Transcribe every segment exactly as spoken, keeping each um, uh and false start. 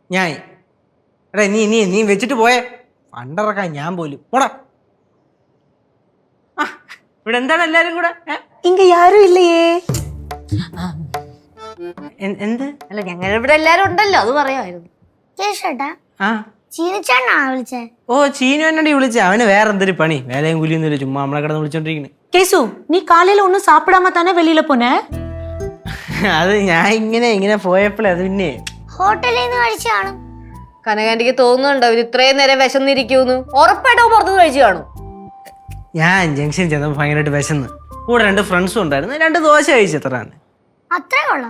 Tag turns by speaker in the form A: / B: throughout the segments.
A: ഞാൻ എടാ നീ നീ നീ വെച്ചിട്ട് പോയേ പണ്ടിറക്കാൻ ഞാൻ പോലും പോടാ. ആ ഇവിടെ എന്താണ് എല്ലാരും കൂടെ?
B: ഇങ്ങ യാരും ഇല്ലയേ.
A: എന്ത്?
B: അല്ല ഞങ്ങൾ ഇവിടെ എല്ലാരും ഉണ്ടല്ലോ, അത് പറയാമായിരുന്നു.
C: കേശോട്ടാ
A: ആ
C: ചീനിച്ചാണോ വിളിച്ചേ?
A: ഓ ചീനു എന്നോട് വിളിച്ച അവന് വേറെ എന്തൊരു പണി, വേലയും കൂലിയൊന്നുമില്ല, ചുമ്മാ നമ്മളെ കിടന്ന് വിളിച്ചോണ്ടിരിക്കണ്.
B: കേസു നീ കാലയിல ഒന്നും സാപ്പിടാമ താനേ വെളിയില പോനെ?
A: അത് ഞാൻ ഇങ്ങനെ ഇങ്ങനെ പോയപ്പോഴേ അത് പിന്നെ
C: ഹോട്ടലിൽ നിന്ന് കഴിച്ചു കാണും.
B: കനകാന്റിക്ക് തോന്നുന്നുണ്ടോ ഇത് ഇത്രയും നേരം വിശന്നിരിക്കൂന്ന്? ഉറപ്പായിട്ടോ പുറത്തുനിന്ന് കഴിച്ചു കാണും.
A: ഞാൻ ജംഗ്ഷൻ ചെന്നപ്പോൾ ഭയങ്കരമായിട്ട് വിശന്ന്, കൂടെ രണ്ട് ഫ്രണ്ട്സും ഉണ്ടായിരുന്നു, രണ്ട് ദോശ കഴിച്ചു. എത്രയാണ്?
C: അത്രേ കൊള്ളാം.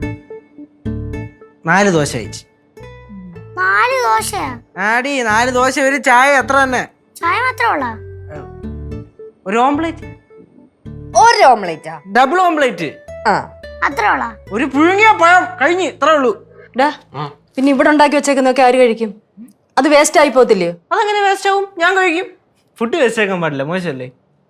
A: നാല് ദോശ കഴിച്ചു.
C: നാല് ദോശയാ?
A: ആടി നാല് ദോശ ഒരു ചായ എത്ര തന്നെ?
C: ചായ മാത്രമേ ഉള്ളാ?
A: ഒരു ഓംപ്ലേറ്റ്.
B: ഒരു ഓംലേറ്റാ?
A: ഡബിൾ ഓംപ്ലേറ്റ്.
B: ആ
C: അത്രേ ഉള്ളാ?
A: ഒരു പുഴുങ്ങിയ പഴം കഴിഞ്ഞ് ഇത്രേ ഉള്ളൂ.
B: പിന്നെ ഇവിടെ ഉണ്ടാക്കി വെച്ചേക്കുന്നൊക്കെ ആര് കഴിക്കും? അത് വേസ്റ്റ് ആയി പോകത്തില്ലയോ?
A: അതങ്ങനെ വേസ്റ്റ് ആവും, ഞാൻ കഴിക്കും. ഫുഡ് വേസ്റ്റ് ആക്കാൻ പാടില്ല, മോശമല്ലേ?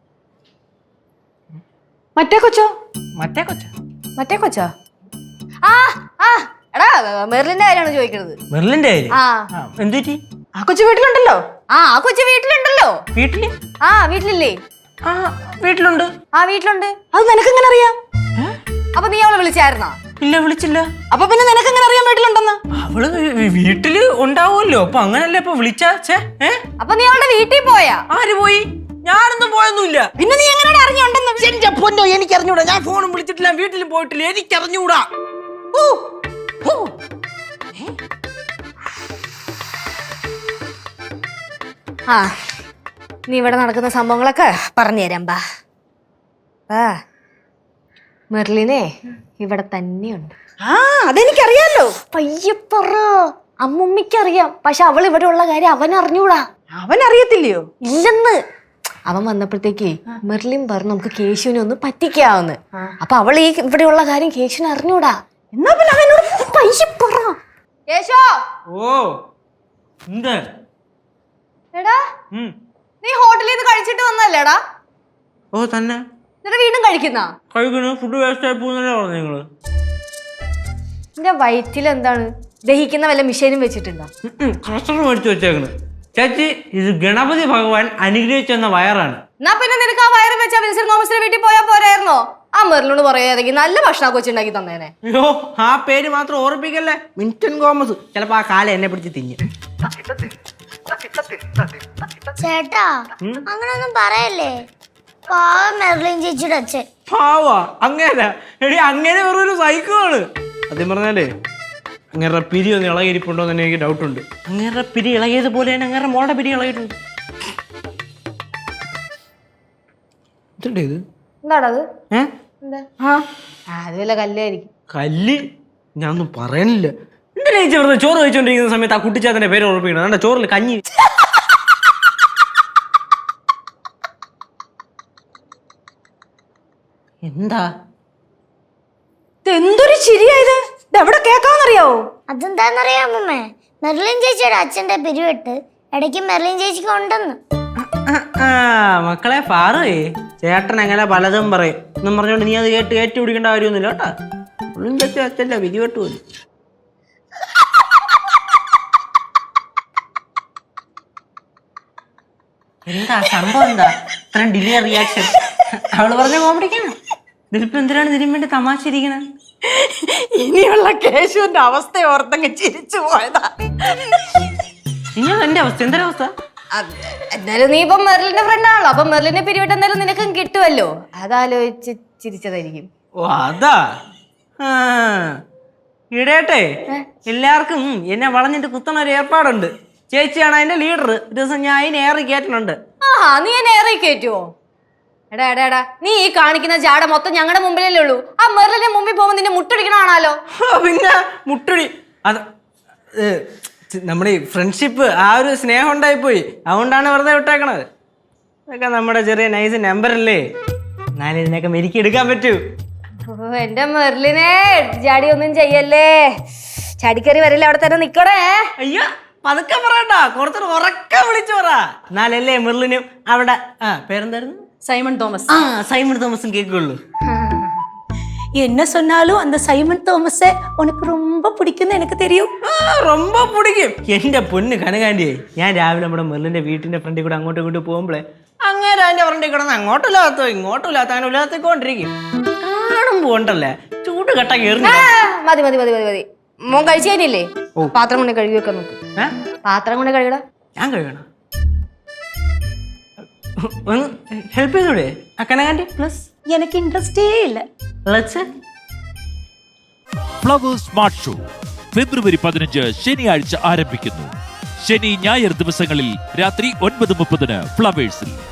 B: മറ്റേ കൊച്ചോ?
A: മറ്റേ കൊച്ച
B: മറ്റേ കൊച്ചാ? ആ ആ എടാ മെർലിന്റെ കാര്യമാണ് ചോദിക്കുന്നത്.
A: മെർലിന്റെ കാര്യം?
B: ആ
A: എന്ത് പറ്റി?
B: ആ കൊച്ചു വീട്ടിലുണ്ടല്ലോ. ആ ആ കൊച്ചു വീട്ടിലുണ്ടല്ലോ.
A: വീട്ടില്?
B: ആ വീട്ടിലില്ലേ?
A: ആ വീട്ടിലുണ്ട്.
B: ആ വീട്ടിലുണ്ട്. അത് നിനക്ക് എങ്ങനെ അറിയാം? അപ്പൊ നീ അവളെ വിളിച്ചായിരുന്നാ?
A: ഇല്ല വിളിച്ചില്ല.
B: അപ്പൊ പിന്നെ നിനക്ക് എങ്ങനെ അറിയാൻ വീട്ടിലുണ്ടെന്ന്?
A: അവള് വീട്ടില് ഉണ്ടാവുമല്ലോ, അപ്പൊ അങ്ങനല്ലേ ഇപ്പൊ വിളിച്ചാ?
B: അപ്പൊ നീ അവളുടെ വീട്ടിൽ പോയാ?
A: ആര് പോയി? ഞാനൊന്നും പോയൊന്നുമില്ല.
B: പിന്നെ നീ എങ്ങനെ അറിഞ്ഞുണ്ടെന്ന്?
A: എന്റെ പൊന്നോ എനിക്ക് അറിഞ്ഞൂടാ, ഞാൻ ഫോണും വിളിച്ചിട്ടില്ല, വീട്ടിലും പോയിട്ടില്ല, എനിക്ക് അറിഞ്ഞൂടാ.
B: ആ നീ ഇവിടെ നടക്കുന്ന സംഭവങ്ങളൊക്കെ പറഞ്ഞു തരാം. ബാ ബാ മെർലിനെ ഇവിടെ തന്നെയുണ്ട്. ആ അതെനിക്കറിയാലോ. പയ്യപ്പറ അമ്മുമ്മയ്ക്കറിയാം, പക്ഷെ അവൾ ഇവിടെ ഉള്ള കാര്യം അവൻ അറിഞ്ഞൂടാ. അവൻ അറിയത്തില്ലയോ? ഇല്ലെന്ന്. അവൻ വന്നപ്പോഴത്തേക്ക് മെർലിൻ പറഞ്ഞു നമുക്ക് കേശുവിനെ ഒന്ന് പറ്റിക്കാവുന്ന്. അപ്പൊ അവൾ ഈ ഇവിടെയുള്ള കാര്യം കേശുവിനെ അറിഞ്ഞൂടാ. എന്നാ പിന്നെ അവനോട് പയ്യപ്പറ. കേശോ.
A: ഓ എന്താ?
B: എടാ നീ ഹോട്ടലിൽ നിന്ന് കഴിച്ചിട്ട് വന്നല്ലേടാ?
A: ഓ തന്നെ.
B: എന്നിട്ട് വീണ്ടും കഴിക്കുന്ന
A: കഴിക്കുന്നു. ഫുഡ് വേസ്റ്റ് ആയി പോകുന്നല്ലേ പറഞ്ഞു നിങ്ങള്?
B: എന്റെ വയറ്റിൽ എന്താണ് ദഹിക്കുന്ന വല്ല മിഷീനും വെച്ചിട്ടുണ്ടോ?
A: കസ്റ്റർ മേടിച്ചു വെച്ചേക്കണ്. ചേച്ചി ഇത് ഗണപതി ഭഗവാൻ അനുഗ്രഹിച്ചെന്ന വയറാണ്.
B: എന്നാ പിന്നെ നിനക്ക് ആ വയറ് വെച്ചാ വിൻസെന്റ് തോമസിന്റെ വീട്ടിൽ പോയാൽ പോരായിരുന്നോ? ആ മെർലിനോട് പറയാതെങ്കിൽ നല്ല ഭക്ഷണം കൊച്ചുണ്ടാക്കി തന്നേനെ.
A: അയ്യോ ആ പേര് മാത്രം ഓർപ്പിക്കല്ലേ, മിൻറ്റൻ തോമസ്. ചിലപ്പോ ആ കാലം എന്നെ പിടിച്ച് തിന്നു.
C: ചേട്ടാ അങ്ങനൊന്നും പറയല്ലേ, പാവം മെർലിൻ ചേച്ചിയുടെ അച്ഛൻ.
A: പാവാ അങ്ങനെ? എടി അങ്ങനെ വെറൊരു സൈക്കോണ്. സത്യം പറഞ്ഞാലേ അങ്ങേറെ പിരി ഒന്ന് ഇളകിയിരിപ്പുണ്ടോ എന്ന് എനിക്ക് ഡൗട്ട് ഉണ്ട്. അങ്ങേറെ പിരി ഇളകിയതുപോലെ തന്നെ അങ്ങേറെ മോളുടെ പിരി ഇളകിയിട്ടുണ്ട്. ഇതുണ്ടേ ഇത്?
B: എന്താണത്?
A: ഏഹ്
B: അത് വല്ല കല്ലായിരിക്കും.
A: കല്ല്? ഞാനൊന്നും പറയണില്ല. എന്തിനാ ചേച്ചി വെറുതെ ചോറ് കഴിച്ചോണ്ടിരിക്കുന്ന സമയത്ത് ആ കുട്ടിച്ചാത്തന്റെ പേര് ഉറപ്പിക്കണം? എന്താ ചോറിൽ കഞ്ഞി? എന്താ
B: എന്തൊരു ശരിയായത്? എവിടെ കേക്കാന്നറിയാവോ?
C: അതെന്താന്നറിയാമേ, മെർലിൻ ചേച്ചിയുടെ അച്ഛന്റെ പിരിവെട്ട് ഇടയ്ക്ക് മെർലിൻ ചേച്ചിക്ക് ഉണ്ടെന്ന്.
A: മക്കളെ പാറേ, ചേട്ടൻ എങ്ങനെ പലതും പറയും എന്നും പറഞ്ഞോണ്ട് നീ അത് കേട്ട് ഏറ്റു പിടിക്കേണ്ട കാര്യമൊന്നുമില്ല കേട്ടാ. ഉള്ളും ചേച്ചി അച്ഛല്ല പിരിവെട്ട് പോലും. എന്താ സംഭവം? എന്താ ഇത്രയും ഡിലേ റിയാക്ഷൻ? അവള് പറഞ്ഞ കോമഡിക്കാണ്. ഇതിലിപ്പോ എന്തിനാണ് ഇതിനും വേണ്ടി തമാശ ഇരിക്കണ?
B: ഇനിയുള്ള കേശുവിന്റെ അവസ്ഥ ഓർത്തങ്ങ് ചിരിച്ചു പോയതാ.
A: നിങ്ങൾ എന്റെ അവസ്ഥ എന്തൊരവസ്ഥ?
B: എന്നാലും നീ ഇപ്പൊ മെർലിന്റെ ഫ്രണ്ട് ആണല്ലോ, അപ്പൊ മെർലിനെ പിരിവിട്ട് എന്തായാലും നിനക്കും കിട്ടുമല്ലോ, അതാലോചിച്ച് ചിരിച്ചതായിരിക്കും.
A: ഓ അതാ. ഇടേട്ടെ എല്ലാവർക്കും എന്നെ വളഞ്ഞിട്ട് കുത്തണ ഒരു ഏർപ്പാടുണ്ട്. ചേച്ചിയാണ് അതിന്റെ ലീഡർ. ഒരു ദിവസം ഞാൻ അതിന് ഏറി കയറ്റുന്നുണ്ട്.
B: ആഹാ നീ എന്നെ ഏറി കയറ്റുവോ? എടാ എടാ എടാ നീ ഈ കാണിക്കുന്ന ജാട മൊത്തം ഞങ്ങളുടെ മുമ്പിലല്ലേ ഉള്ളൂ. ആ മെർലിന്റെ മുമ്പിൽ പോകുമ്പോ നിന്നെ മുട്ടടിക്കണാണല്ലോ.
A: പിന്നെ മുട്ടടി അത് നമ്മുടെ ഈ ഫ്രണ്ട്ഷിപ്പ്, ആ ഒരു സ്നേഹം ഉണ്ടായിപ്പോയി, അതുകൊണ്ടാണ് വെറുതെ വിട്ടേക്കണത്. അതൊക്കെ നമ്മുടെ ചെറിയ നൈസ് നമ്പറല്ലേ, എന്നാലും ഇതിനൊക്കെ മെരുക്കി എടുക്കാൻ പറ്റൂ.
B: ഓ എന്റെ മെർലിനെ ചാടി ഒന്നും ചെയ്യല്ലേ, ചാടിക്കറി വരില്ല, അവിടെ തന്നെ നിക്കണേ.
A: അയ്യോ പതുക്കെ പറയണ്ട, കുറച്ചൊരു ഉറക്ക വിളിച്ചു പറ, എന്നാലല്ലേ മെർലിനും അവിടെ ആ പേരെന്തായിരുന്നു?
B: Simon Thomas.
A: ആ സൈമൺ തോമസും കേൾക്കുള്ളൂ.
D: என்ன சொன்னாலும் அந்த சைமன் തോമஸை உனக்கு ரொம்ப பிடிக்கும்னு எனக்கு தெரியும்.
A: ரொம்ப പിടിക്കും എന്റെ പൊന്ന് കനകാന്റിയെ. ഞാൻ രാവിലെ നമ്മുടെ മെർലിന്റെ വീട്ടിന്റെ ഫ്രണ്ടിൽ കൂടെ അങ്ങോട്ടും ഇങ്ങോട്ട് പോകുമ്പോഴേ അങ്ങേരെ അതിന്റെ ഫ്രണ്ടിൽ കിടന്ന് അങ്ങോട്ടില്ലാത്തോ ഇങ്ങോട്ടില്ലാത്ത അങ്ങനെ ഉല്ലാത്തിക്കൊണ്ടിരിക്കും. കാണുമ്പോ ഉണ്ടല്ലേ ചൂട് കെട്ട കയറി.
B: മതി മതി മതി മതി മതി മോൻ കഴിച്ചു കഴിഞ്ഞില്ലേ? പാത്രം കൊണ്ട് കഴുകി വെക്കാൻ നോക്ക്. പാത്രം കൊണ്ട് കഴുകടാ.
A: ഞാൻ കഴുകണം. ഒന്ന് ഹെൽപ്പ് ചെയ്തൂടെ ആ കനകാന്റി പ്ലസ്?
D: எனக்கு இன்ட்ரெஸ்டே இல்லை.
E: ഫ്ലവേഴ്സ് സ്മാർട്ട് ഷോ ഫെബ്രുവരി പതിനഞ്ച് ശനിയാഴ്ച ആരംഭിക്കുന്നു. ശനി ഞായർ ദിവസങ്ങളിൽ രാത്രി ഒൻപത് മുപ്പതിന് ഫ്ലവേഴ്സിൽ.